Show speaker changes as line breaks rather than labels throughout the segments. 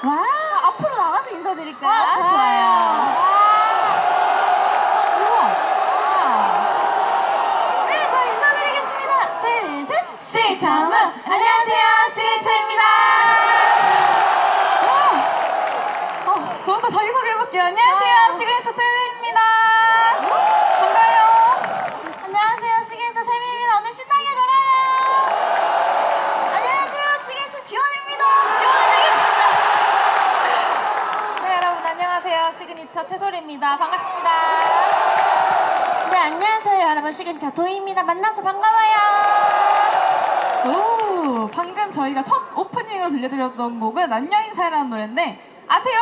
와,
앞으로 나가서 인사드릴까요?
아, 좋아요.
네, 저 인사드리겠습니다. 둘, 셋.
시청은 안녕하세요, 시리차입니다.
저부터 자기소개해볼게요. 안녕하세요, 시그니처 셀리입니다. 반가워요.
안녕하세요, 시그니처 세미입니다. 오늘 신나게 놀아요.
안녕하세요, 시그니처 지원입니다. 지원해드리겠습니다. 네, 여러분 안녕하세요. 시그니처 최소리입니다. 반갑습니다.
네, 안녕하세요, 여러분. 시그니처 도희입니다. 만나서 반가워요.
오, 방금 저희가 첫 오프닝으로 들려드렸던 곡은 안녕인사라는 노래인데 아세요?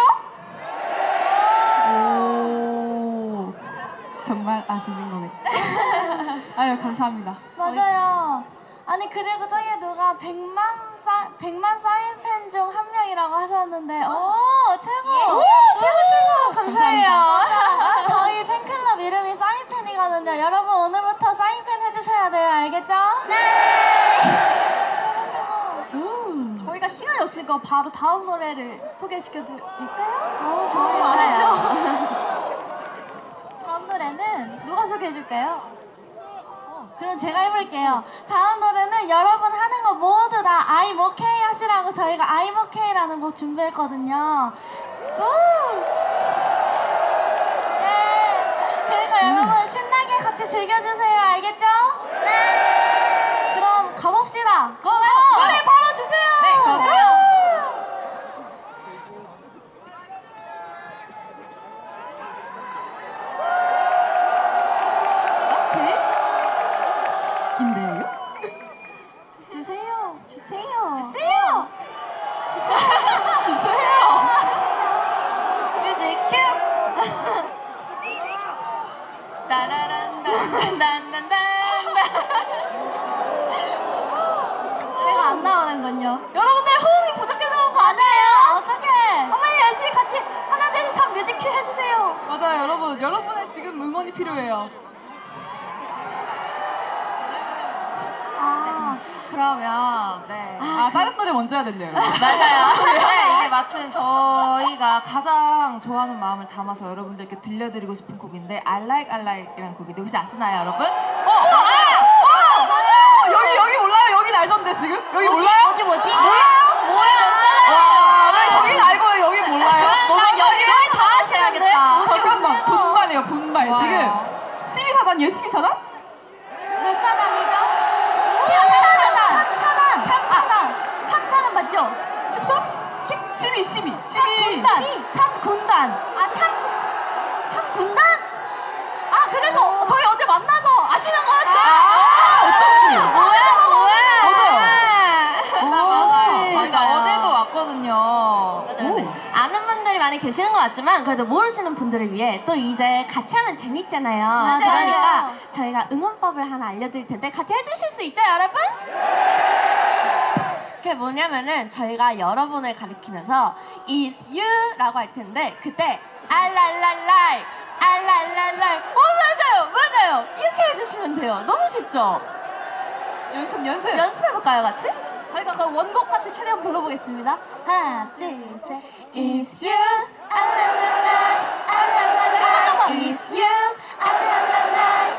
오, 정말 아시는 거겠죠? 아유, 감사합니다.
맞아요. 아니, 그리고 저기 누가 100만 사인팬 중 한 명이라고 하셨는데, 오, 최고!
오,
최고! 감사해요.
감사합니다.
저희 팬클럽 이름이 사인팬이거든요. 여러분, 오늘부터 사인팬 해주셔야 돼요. 알겠죠? 네! 최고!
저희가 시간이 없으니까 바로 다음 노래를 소개시켜드릴까요?
좋아요.
아쉽죠? 다음 노래는 누가 소개해줄까요?
그럼 제가 해볼게요. 다음 노래는 여러분 하는 거 모두 다 I'm okay 하시라고 저희가 I'm okay라는 곡 준비했거든요. 네. 그리고 여러분 신나게 같이 즐겨주세요. 알겠죠? 네. 그럼 가봅시다. 고!
노래 바로 주세요.
네, 고고!
인데요?
주세요. 주세요.
주세요. 주세요. 뮤직 큐.
따라란단단단단단.
노래가 안 나오는군요. 여러분들 호응이 부족해서 그런 거
맞아요. 어떡해.
어머니 열심히 같이 하나 둘 셋 하면 뮤직 큐 해주세요. 맞아요, 여러분. 여러분의 지금 응원이 필요해요. 그러면 네. 다른 노래 먼저 해야 된대요.
맞아요. 네, 이게 마침 저희가 가장 좋아하는 마음을 담아서 여러분들께 들려드리고 싶은 곡인데 I Like 이라는 곡인데 혹시 아시나요, 여러분?
여기 몰라요? 여긴 알던데 지금? 여기 몰라요?
뭐지?
몰라요? 와, 네, 여긴 알고 여긴 몰라요?
여기 다 하셔야겠다.
잠깐만, 분발이에요, 분발.
좋아요.
지금 12사단이에요, 12사단?
몇 사단이죠? 3사단.
3사단 맞죠? 14? 12.
3군단.
3군단? 그래서 저희 어제 만나서 아시는 거였어요? 어쩐지.
맞아요. 저희가
맞아요.
어제도 왔거든요.
맞아요. 아는 분들이 많이 계시는 것 같지만 그래도 모르시는 분들을 위해 또 이제 같이 하면 재밌잖아요.
맞아요.
그러니까 저희가 응원법을 하나 알려드릴 텐데 같이 해주실 수 있죠, 여러분? 그게 뭐냐면은 저희가 여러분을 가리키면서 It's you라고 할 텐데 그때 알랄랄랄 알랄랄랄 맞아요 이렇게 해주시면 돼요. 너무 쉽죠?
연습.
연습해볼까요, 같이?
저희가 그 원곡 같이 최대한 불러보겠습니다. 하나, 둘, 셋.
It's you, 알랄랄라, 알랄랄라. It's you, 알랄랄라,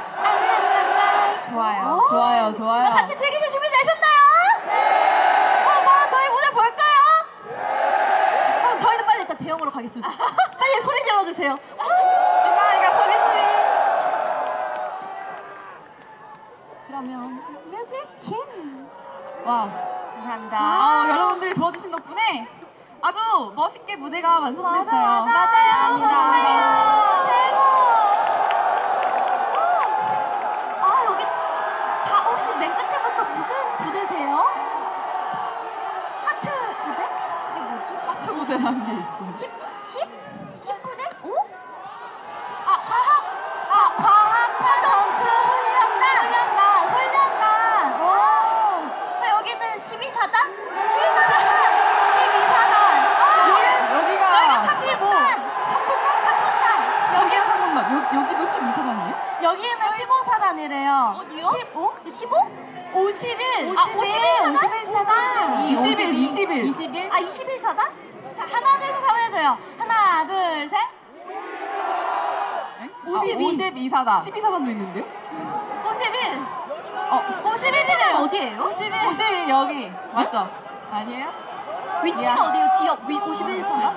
알랄랄라.
좋아요.
같이 즐기실 준비 되셨나요? 네. 바로 저희 무대 볼까요? 그럼 저희는 빨리 일단 대형으로 가겠습니다. 빨리 소리 질러주세요. 민망하니까 소리. 그러면 뮤직 큐.
와, 감사합니다.
여러분들이 도와주신 덕분에 아주 멋있게 무대가 완성됐어요.
맞아요.
감사합니다.
최고.
여기 다 혹시 맨 끝에부터 무슨 부대세요? 하트 부대? 이게 뭐지? 하트 부대라는 게 있어. 19대? 오? 과학 전투 훈련단. 여기는 12사단? 12사단.
여기가
3군단. 저기가 3군단. 여기도 12사단이에요?
여기는 15사단이래요.
어디요?
15?
15?
51.
51
51사단.
21.
21사단?
자, 하나, 둘, 셋 하면 해줘요. 하나, 둘, 셋.
52사단.
12사단도 있는데요?
51.
51사단 어디예요?
51 여기 맞죠? 아니에요?
위치가
미안.
어디예요? 지역 51사단?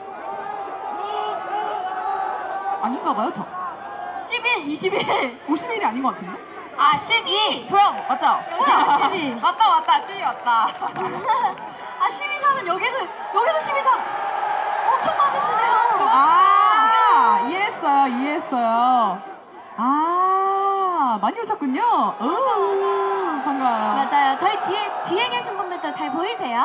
아닌가 봐요, 더. 21. 51이 아닌 것 같은데?
아 12 도영 맞죠?
뭐야, 12.
맞다 12 맞다.
아, 12사단 여기도 12사단. 엄청 많으시네요.
아, 이해했어요. 아, 많이 오셨군요. 오, 반가워요.
맞아요. 저희 뒤에 계신 분들도 잘 보이세요?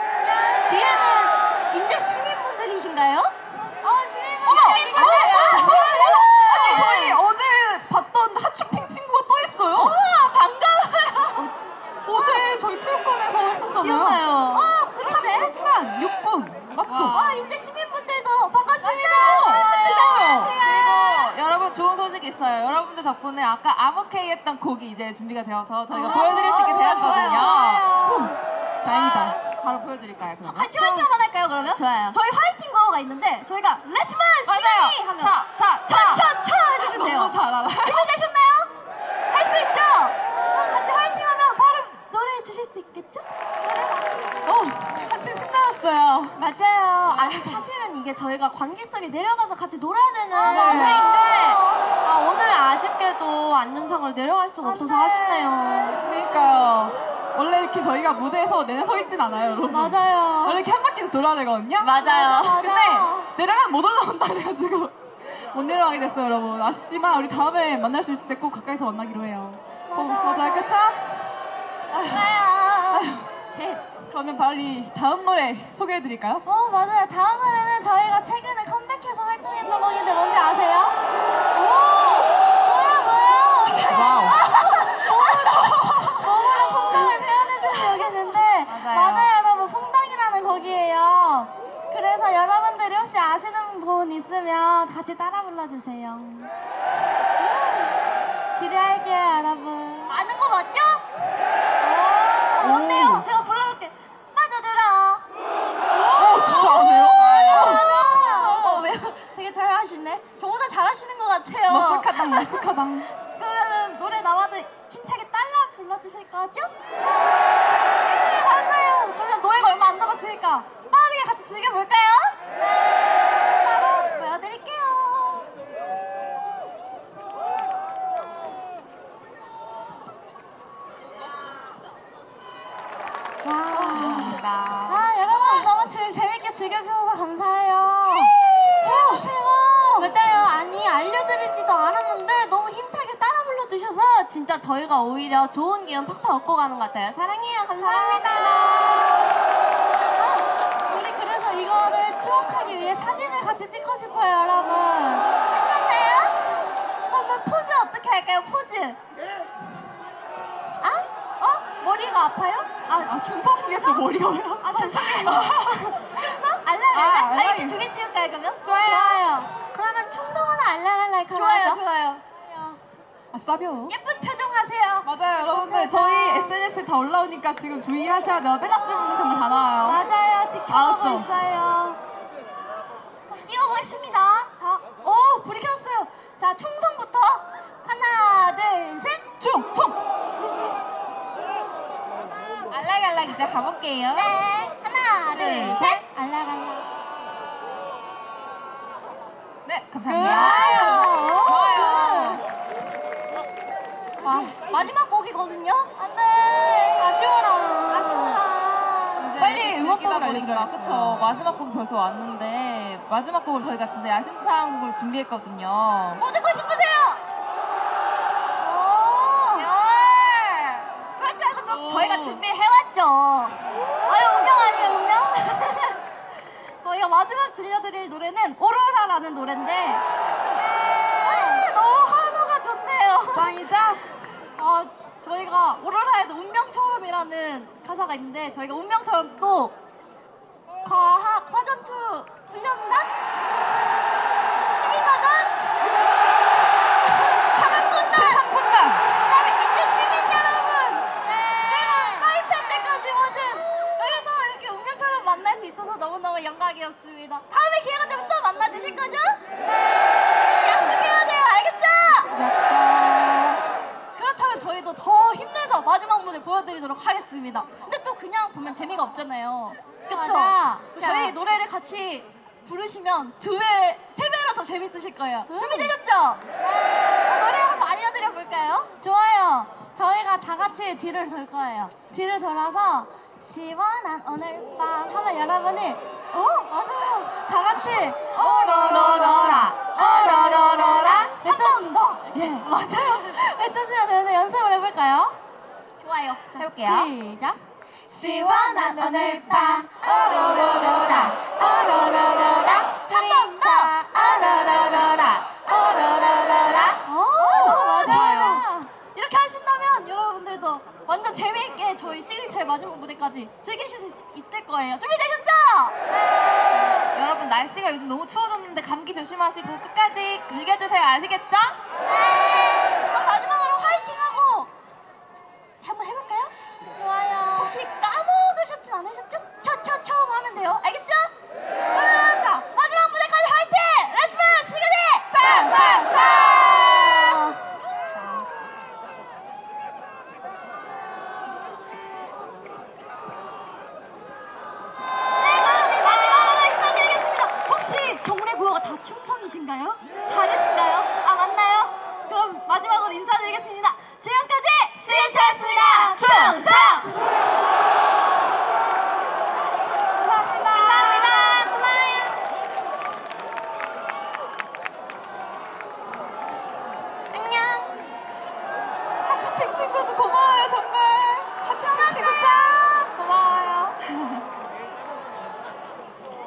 뒤에는 인제 시민분들이신가요? 시민분들.
아니, 저희 어제 봤던 하츄핑 친구가 또 있어요.
반가워요.
어제 저희 체육관에서 했었잖아요.
기억나요. 그러네.
일단 6분 맞죠?
인제 시민분들도 반갑습니다.
그리고 여러분 좋은 소식이 있어요. 여러분들 덕분에 아까 암호케이 했던 곡이 이제 준비가 되어서 저희가 보여드릴 수 있게 되었거든요.
좋아요.
다행이다.
바로 보여드릴까요 그러면?
같이 화이팅 한번 할까요, 그러면?
좋아요.
저희 화이팅 거가 있는데 저희가 렛츠만
맞아요.
시민이 하면
차.
해주시면 돼요.
너무 잘 알아.
준비되셨나요? 할 수 있죠? 같이 화이팅 하면 바로 노래해 주실 수 있겠죠?
같이 신나왔어요.
맞아요. 아니 사실은 이게 저희가 관객석에 내려가서 같이 놀아야 되는 무대인데 오늘 아쉽게도 안전상으로 내려갈 수가 없어서 아쉽네요.
그러니까요. 원래 이렇게 저희가 무대에서 내내 서 있진 않아요, 여러분.
맞아요.
원래 이렇게 한 바퀴 돌아야 되거든요.
맞아요.
근데 내려가면 못 올라온다 그래가지고 못 내려가게 됐어요, 여러분. 아쉽지만 우리 다음에 만날 수 있을 때 꼭 가까이서 만나기로 해요. 맞아요, 그쵸? 그러면 빨리 다음 노래 소개해드릴까요?
맞아요. 다음 노래는 저희가 최근에 컴백해서 활동했던 곡인데 뭔지 아세요? 뭐야?
와우.
몸으로 퐁당을 표현해주고 계신데 맞아요 여러분 퐁당이라는 곡이에요. 그래서 여러분들이 혹시 아시는 분 있으면 같이 따라 불러주세요. 기대할게요 여러분.
아는 거 맞죠? 뭔데요? 제가 불러볼게. 빠져들어.
진짜 안 해요?
왜요? 되게 잘 하시네. 저보다 잘하시는 것 같아요.
머쓱하당.
그러면 노래 나와도 힘차게 따라 불러주실 거죠? 네, 맞아요. 그러면 노래가 얼마 안 남았으니까 빠르게 같이 즐겨볼까요? 네. 바로 보여드릴게요.
여러분 너무 재밌게 즐겨주셔서 감사해요. 최고. 맞아요. 아니 알려드리지도 않았는데 너무 힘차게 따라 불러주셔서 진짜 저희가 오히려 좋은 기운 팍팍 얻고 가는 것 같아요. 사랑해요. 감사합니다. 우리 그래서 이거를 추억하기 위해 사진을 같이 찍고 싶어요, 여러분. 괜찮나요? 그러면 포즈 어떻게 할까요? 포즈. 머리가 아파요?
중성이겠죠, 머리가 왜요?
죄송해요. 충성?
아,
알랄랄랄?
알랄이.
이렇게 두 개 찍을까요, 그러면?
좋아요. 그러면 충성하나 알랄랄랄 하죠?
좋아요.
싸벼.
예쁜 표정 하세요.
맞아요, 여러분들. 저희 SNS에 다 올라오니까 지금 주의하셔야 돼요. 맨 앞줄 분들 정말 다 나와요.
맞아요. 지켜보고
알았죠?
있어요.
찍어보겠습니다. 자, 불이 켰어요. 자, 충성부터 하나, 둘, 셋.
충성!
알락알락 이제 가볼게요.
네, 하나, 둘, 셋.
알랄랄랄.
네 감사합니다.
좋아요.
마지막 곡이거든요.
안 돼.
아쉬워라.
이제
빨리
이렇게
응원법을
즐기다 보니까
알려드려야겠어요.
그쵸. 마지막 곡 벌써 왔는데 마지막 곡을 저희가 진짜 야심찬 곡을 준비했거든요.
뭐 듣고 싶으세요? 그렇지 않고 또 저희가 준비를 해왔죠. 운명 아니에요, 운명? 저희가 마지막 들려드릴 노래는 오로라라는 노래인데 너무 환호가 좋네요.
짱이죠?
저희가 오로라에도 운명처럼이라는 가사가 있는데 저희가 운명처럼 또 과학 화전투 훈련단 12사단 사관군단
제3군단!
그다음에 인제 시민 여러분 그리고 사이펜 때까지 오신 여기서 이렇게 운명처럼 만나 만날 수 있어서 너무너무 영광이었습니다. 다음에 기회가 되면 또 만나주실 거죠? 네! 약속해야 돼요. 알겠죠? 그렇다면 저희도 더 힘내서 마지막 무대 보여드리도록 하겠습니다. 근데 또 그냥 보면 재미가 없잖아요. 그쵸?
맞아.
저희 노래를 같이 부르시면 2배, 3배로 더 재밌으실 거예요. 준비되셨죠? 노래 한번 알려드려 볼까요?
좋아요. 저희가 다 같이 뒤를 돌 거예요. 뒤를 돌아서 시원한 오늘 밤 하면 여러분이 맞아요. 다 같이 오로로로라 오로로로라
더!
예, 맞아요. 외쳐주시면 되는데 연습을 해볼까요?
좋아요.
해볼게요. 시작. 시원한 오늘 밤 오로로로라 오로로로라
한번 더!
오로로로라 오로로로라
맞아요. 이렇게 하신다면 여러분들도 완전 재미있게 저희 시그니처의 마지막 무대까지 즐기실 수 있을 거예요. 준비되셨죠?
여러분 날씨가 요즘 너무 추워졌는데 감기 조심하시고 끝까지 즐겨주세요. 아시겠죠?
그럼 마지막으로 화이팅하고 한번 해볼까요?
좋아요.
혹시 까먹으셨진 않으셨죠? 처 하면 돼요. 알겠죠? 그러면 자 마지막 무대까지 화이팅! 렛츠고 시그니
팡팡팡
네, 그럼 마지막으로 인사드리겠습니다. 혹시 경례 구호가 다 충성이신가요? 다르신가요? 아, 맞나요? 그럼 마지막으로 인사드리겠습니다. 지금까지 시그니처였습니다. 충성!